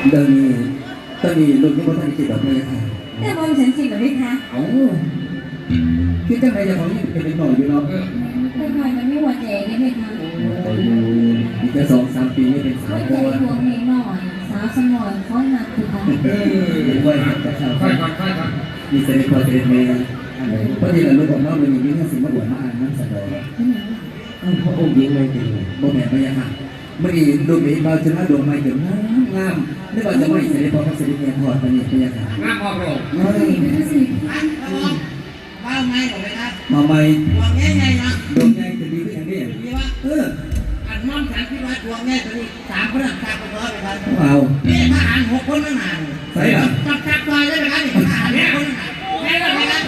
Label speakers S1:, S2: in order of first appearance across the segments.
S1: เดินตอนนี้ลุงยังไม่ทันกินดอกเลยค่ะ
S2: แต่มองฉันจริงหรือไม่คะ
S1: เอ้าคิดจังไรจะของนี่เป็นหน่อยอยู่เนาะ
S2: แต่คอยมันไม่หัวใจได้ไหมคะ
S1: แต่อยู่อีกแค่2-3 ปีนี่เป็นสาว
S2: หัวใจพวงเพลงหน่อยสาวสมอยเขาหนักคือเขา
S1: ไว้หักแต่สาวมีเสด็จพอเสด็จแม่พอดีเราลูกของน้องมันมีเรื่องสิ่งมาบวชมาอ่านน้ำสะดอกพระองค์ยิ่งเลยจริงบ่แม่ไม่ยังหักมื่อนี้ลูกนี้เราจะมาดวงใหม่เกิดงามไม่ว่าจะไม่เสด็จพอพระเสด็จแม่ถอดไปนี่พยาค่ะ
S3: งามพอโปร่ง
S2: ไม่ได้สิ
S3: ว่าไม่หรอกนะครับ
S1: มาใหม่
S3: ดวงง่ายๆนะ
S1: ดวงง่ายจะดีขึ้นอย่างนี้
S3: ดีว่าอันน้องฉันคิดว่าดวงง่ายตอนนี้3 คนตักไปร้อยไปครับ
S1: เอา
S3: นี่ทหาร6 คนไม่มา
S1: ใช่หรอ
S3: ตักไปได้ไหมครับนี่ทหาร6 คนใช่ไหมครับ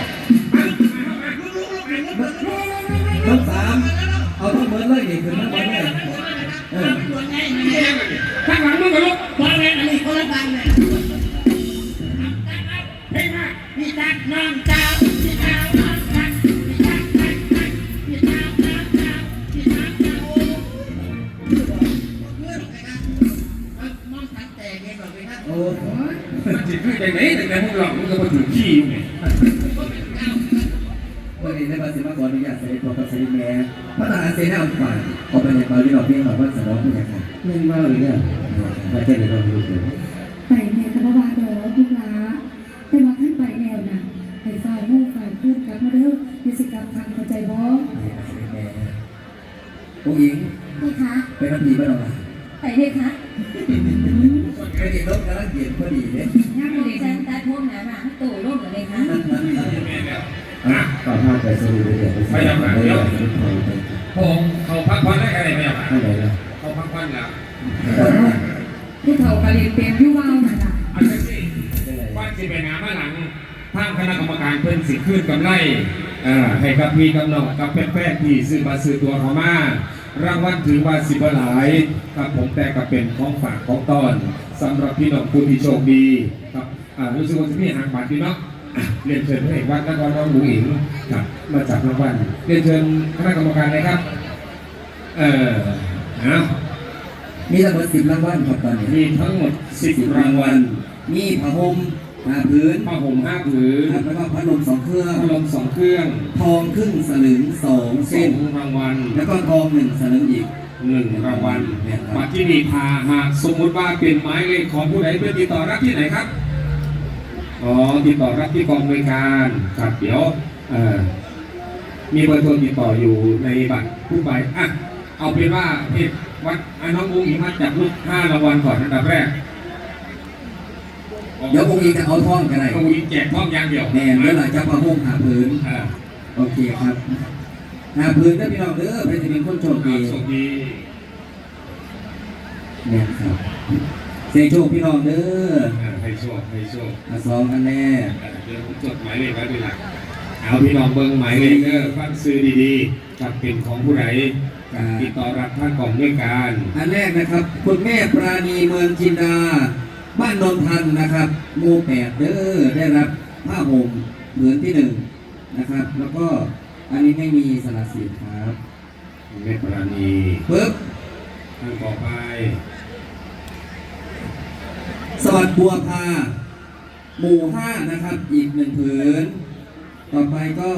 S1: ต้อง3เอาทั้งหมดเลยนี่คือทั้งหมดเลย
S3: ดวงง่ายข้างหลังมึงกับลูกดวงง่ายอันนี้คนละฟังเลยเฮ้ยมาพี่ตักน้องเจ้าพี่เจ้าน้องตักพี่ตักตักตักพี่เจ้าน้องเจ้าพี่ตักเจ้าน้องตักแต่เงี้ยบอกเลยครับ
S1: โอ้
S3: มันจิตขึ้นใจไหนแต่ในห้องหลอกมันก็มาถึงขี้อยู่ไง
S1: วันนี้ในภาษีมาก่อนอนุญาตเสด็จพอพระเสด็จแม่พระทหารเสนาฝ่ายออกไปในบาลีดอกเบี้ยหน่อยว่าสนองผู้ใหญ่ค่ะ
S4: เล่นว่าเลยเนี่ยมาแค่ไหนเราดูดู
S2: ไปแม่กับว่าเด้อพี่ล้าแต่ว่าท่านไปแนวน่ะไปฝ่ายมู่ฝ่ายพูดกับมาเด้อมีสิกับทางเข้าใจบ่
S1: ผู้หญิง
S2: นี่คะ
S1: ไปทำดีบ้างหรอ
S2: ไปเลยคะ
S1: ไปกินรถกำลังเกียรพอดีเนี่ย
S2: ย่าไปเลยฉันตาท่วมหนาหนาตู่ร่มเลยคะ
S4: ต่อภาพไปสรุปเดี๋ยวไปยังไงเดี๋ยว
S3: ผมเขาพักผ่อนได้อะไรไหม
S4: เท่าไหร่ละ
S3: เขาพักผ่อนแล้ว
S2: ผู้เฒ่ากะเรียนเป็นยุ่ว่าวนั่นน่ะ
S3: อันนี้สิว่าสิเป็นงานมาหลังทางคณะกรรมการเพิ่นสิขึ้นกำไรให้กับพี่กับน้องกับแฟนๆที่ซื้อมาซื้อตัวเขามารางวัลถือว่าสิบหลายครับผมแต่ก็เป็นของฝากของต้อนสำหรับพี่น้องผู้ที่โชคดีครับรู้สึกว่าจะมีหางบัตรพี่เนาะเรียนเชิญพระเอกวัดนครน้องบุ๋งอิงครับมาจากรางวัลเรียนเชิญคณะกรรมการเลยครับ
S1: มีทั้งหมด10 รางวัลครับตอนนี้
S3: มีทั้งหมด10 รางวัล
S1: มีผ้าห่ม5 ผืน
S3: ผ้าห่ม5 ผืน
S1: แล้วก็พัดลม2 เครื่อง
S3: พัดลม2 เครื่อง
S1: ทองครึ่งสลึง2 เส้น
S3: รางวัล
S1: แล้วก็ทอง1 สลึงอีก
S3: 1 รางวัลบัตรที่มีพาหากสมมติว่าเป็นหมายเลขของผู้ใดเพื่อติดต่อรับที่ไหนครับติดต่อรับที่กองบริการครับเดี๋ยวมีเบอร์โทรติดต่ออยู่ในบัตรผู้ใบเอาเป็นว่าเพจวัดน้องบุ๋งอิงมาจับลูก5 รางวัลก่อนอันดับแรก
S1: เดี๋ยวองค์อิงจะเอาท่องกันไหน
S3: องค์อิงแจกท่องอย่างเดียว
S1: แน่เมื่อไหร่จะผ้าห่ม5 ผืนโอเคครับ5 ผืนได้พี่น้องเด้อเป็นจะเป็นคนโชคดีเนี่ยครับเสียงโชคพี่น้องเด้อ
S3: ให้โชค
S1: 2 อันแน่
S3: เดี๋ยวผมจดหมายเลขไว้ด้วยล่ะเอาพี่น้องเบิ้งหมายเลขเด้อฟังซื้อดีๆกับเป็นของผู้ใดติดต่อรับท่านกองด้วยการ
S1: อันแรกนะครับคุณแม่ปราณีเมืองจินดาบ้านนนทันนะครับหมู่ 8เด้อได้รับผ้าห่มผืนที่1นะครับแล้วก็อันนี้ไม่มีสละสิทธิ์ครับ
S3: แม่ปราณี
S1: ปึ๊บ
S3: ท่านต่อไป
S1: สวัสดิ์บัวพาหมู่ 5นะครับอีก1 ผืนต่อไปก็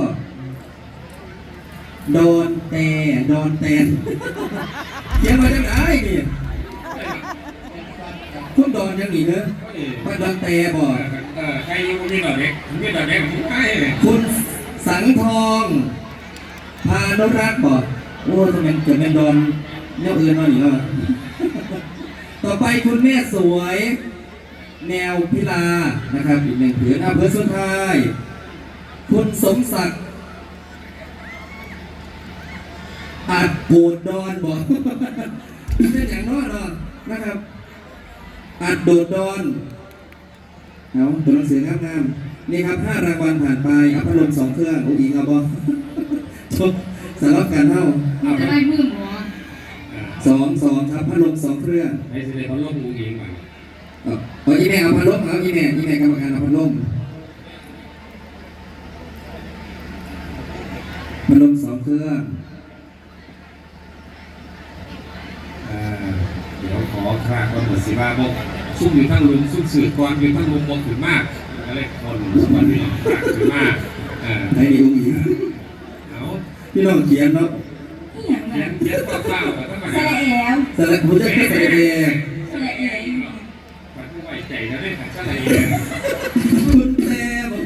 S1: ดอนแตนเขียนมาจากไหนนี่คุณดอนยังหนีเนอะพระดอนแตบ่
S3: ใครยังมีดอกเด็กผมไม่
S1: คุณสังทองพานุรักษ์บ่โอ้ทำไมเกิดเป็นดอนเนี่ยอื่นมาหนิเนาะต่อไปคุณแม่สวยแนวพิลานะครับอีก1 ผืนอำเภอสุนทรคุณสมศักดิ์อาจโกดดอนบอกเป็นอย่างน้อยเนาะนะครับอาจโดดดอนเอาตัวหนังสืองามๆนี่ครับ5 รางวัลผ่านไปอัพพัดลม2 เครื่องอุ้งอิงเอาบอชกสำหรับการเท่า
S2: จะได้มือหมอ
S1: 2ครับพัดลม2 เครื่อง
S3: ให้เสด็จพัดลมอุ้งอิงมา
S1: อีแม่เอาพัดลมเอาอีแม่กรรมการเอาพัดลม2 เครื่อง
S3: เดี๋ยวขอคราก็หมด15 โมงซุ่มอยู่ทั้งลุมซุ่มสื่อก่อนอยู่ทั้งลุมมองถึงมากอะไรคนวันนี้ถึงมาก
S1: ไอ้นี่อุ้งอิง
S3: เอา
S1: พี่น้องเขียนเนาะ
S2: นี่อย่าง
S3: เขีย
S2: นั้น
S3: นเขียนข้าวๆแต่ต้องมา
S2: สระแอว
S1: สระผมจะแค่สระเอ
S2: สระแอว
S3: มันผู้ไว้ใจนะเนี่ยขัดอะไร
S1: คุณแต่บอก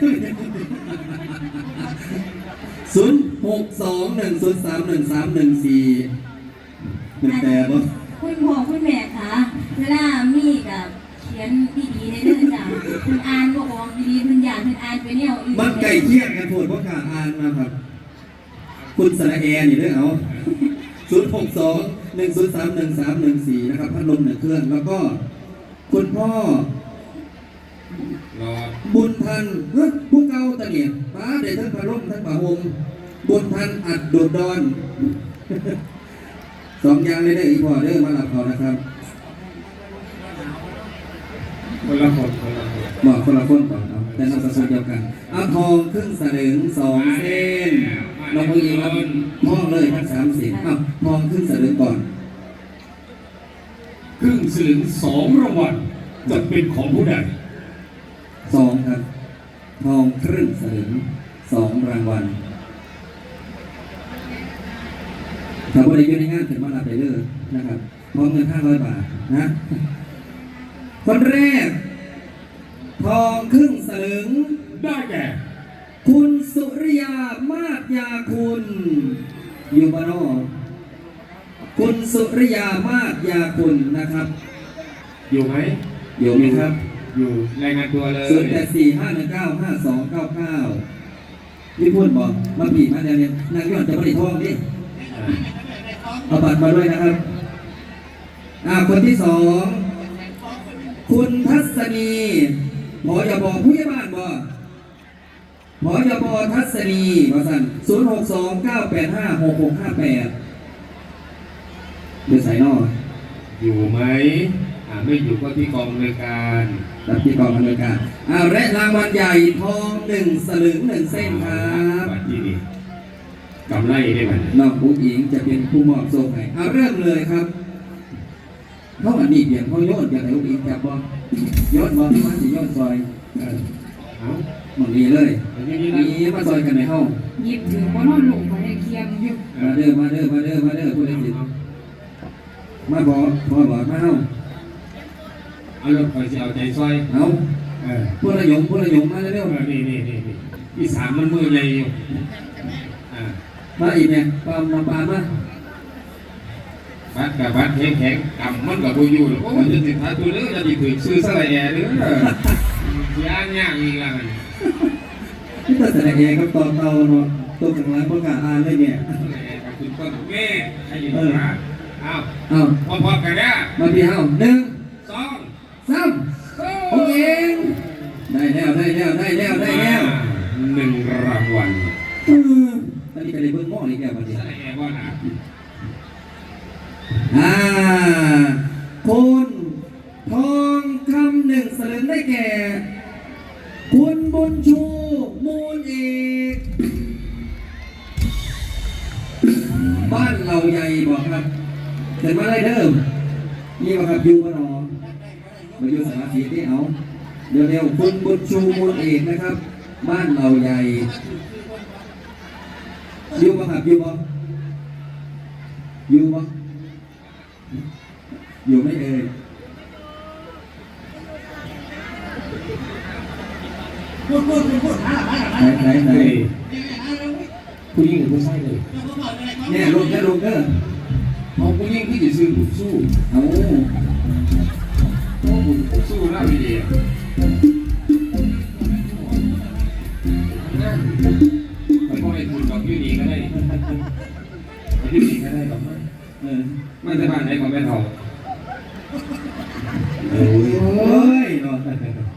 S1: 0621031314คุณแต่บอก
S2: คุณพ่อคุณแม่คะเวลามีกับเขียนดีๆในเรื่องจ้ะคุณอ่านบอกว่าดีๆคุณอยากคุณอ่านไปเนี่ยอีก
S1: มันไก่เคี่ยงกันโผดเพราะขาอ่านมาครับ คุณสระแอนี่ด้วยเอา0621031314นะครับพัดลม1 เครื่องแล้วก็คุณพ่อ
S3: รอ
S1: บุญทันผู้เก่าตะเนี่ยป้าเด็ทั้งพระร่มทั้งพระหงบุญทันอัดโดดดอน 2 อย่างเลยเด้ออีพอเด้อมาหลับเขานะครับ
S3: คนละคนคนละคน
S1: บอกคนละคนก่อนเอาแต่นามสกุลเดียวกันเอาทองครึ่งสลึง2 เส้นเราเพิ่งเองครับทองเลยทั้ง3 เส้นเอาทองครึ่งสลึงก่อน
S3: ครึ่งสลึง2 รางวัลจะเป็นของผู้ใด
S1: 2 ครับ ทองครึ่งสลึง2 รางวัลถ้าบริการในงานถึงมาลาไปเลยนะครับพร้อมเงิน500 บาทนะคนแรก ทองครึ่งสลึง
S3: ได้แก่
S1: คุณสุริยามาศยาคุณอยู่บ้านนอกคุณสุริยามาศยาคุณนะครับ
S3: อยู่ไหม
S1: อยู่ไหมครับ
S3: อยู่รายงานตัวเลย
S1: 0845195299พี่พูดบอกมาผีมาเนี่ยนางย้อนจะบริทองดิเอาบัตรมาด้วยนะครับคนที่ 2คุณทัศนีหมออย่าบอกผู้ใหญ่บ้านบ่หมออย่าบอกทัศนีมาสั่น0629856658เดือดสายนอก
S3: อยู่ไหมไม่อยู่ก็ที่กองบริการ
S1: รับที่กองอำนวยการและรางวัลใหญ่ทอง1 สลึง 1 เส้นครับ
S3: บัตรที่นี่กำไรได้ไหม
S1: น้องผู้หญิงจะเป็นผู้มอบโซ่ให้เริ่มเลยครับเพราะมันนี่เพียงเขาโยนอย่างไรผู้หญิงจับบ่โยนบ่มันสิโยนซอย
S3: เอา
S1: หมดนี้เลย
S3: อย่างนี้
S1: มีมาซอยกันในห้อง
S2: หยิบถือว่านอนหลงไปเคียงอยู่
S1: มาเด้อผู้ใดสิมาบอกมาเฮา
S3: เอารถคอยจะเอาใจซอย
S1: เอาผู้ละยงมาเร็ว
S3: นี่อีสานมันมือใหญ่อยู่
S1: มาอีกเนี่ยปามมา
S3: บัตรกับบัตรแข็งกำมันกับบูยูโอ้ยจะติดท้ายตัวเด้อจะติดถือซื้อสลายแอร์เด้อยากอีกแล้ว
S1: ที่ตัดสินใจครับตอนเตาเนาะตัวข้างหลังประกาศอ่านเลยเนี่ย
S3: ขอบคุณต้นแม่ให้ยินดีครับเอา
S1: เอา
S3: พอๆกันนะ
S1: มาพี่เฮา1
S3: 2
S1: 3โอเคได้แล้ว
S3: 1 รางวัล
S1: ตอนนี้ก็ได้เบิ่งหม้ออีกแล้วบัดนี้
S3: สลายแอร์ว่าหนา
S1: คุณทองคำ1 สลึงได้แก่ คุณบุญชูมูลเอกบ้านเราใหญ่บอกครับเสร็จมาได้เดิมนี่บอกครับอยู่บ้านนอมาอยู่สารสีที่เอาเร็วๆคุณบุญชูมูลเอกนะครับ บ้านเราใหญ่อยู่บ่ครับอยู่บ่อยู่ไม่เอ่ย
S5: พูด
S1: ไหน
S3: ผู้หญิงหรือผู้ชายเลย
S1: เนี่ยลงเด้อ
S3: เอาผู้หญิงที่จะซื้อสู้
S1: เอา
S3: สู้แล้วดีๆมันก็ได้ทุนกับยูนีก็ได้ยูนีก็ได้กับมันไม่ใช่บ้านไหนของแม่ทอง
S1: โอ้ยเนาะ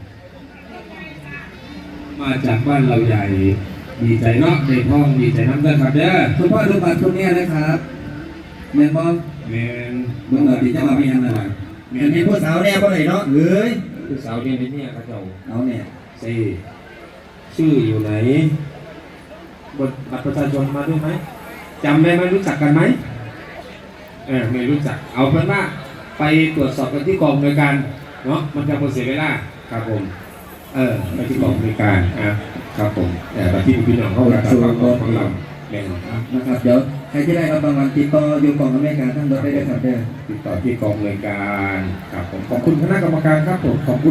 S3: มาจากบ้านเราใหญ่ ดีใจเนาะในท้องดีใจน้ำเด้อครับเด้อ
S1: คุณพ่อดูบัตรคนนี้นะครับแม่บอก
S3: แมน
S1: เมื่อดีจะมาเป็นยังไงอันนี้ผู้สาวแน่บ่ไหนเนาะเฮ้ย
S3: ผู้สาวเรียนในเนี่ยเขาเจ้า
S1: เอาเนี่ย
S3: สิชื่ออยู่ไหนบนบัตรประชาชนมาด้วยไหมจำได้ไหมรู้จักกันไหมไม่รู้จักเอาเป็นว่าไปตรวจสอบกันที่กองโดยการเนาะมันจะหมดเสียเวลาครับผมไปที่กองบริการครับผมไปที่พี่น้องเข้ารับของเราแม่น
S1: นะครับเดี๋ยวใครที่ได้รับรางวัลติดต่ออยู่กองอเมริกาทั้งรถได้เลยครับเด้อ
S3: ติดต่อที่กองบริการครับผมขอบคุณคณะกรรมการครับผมขอบคุณ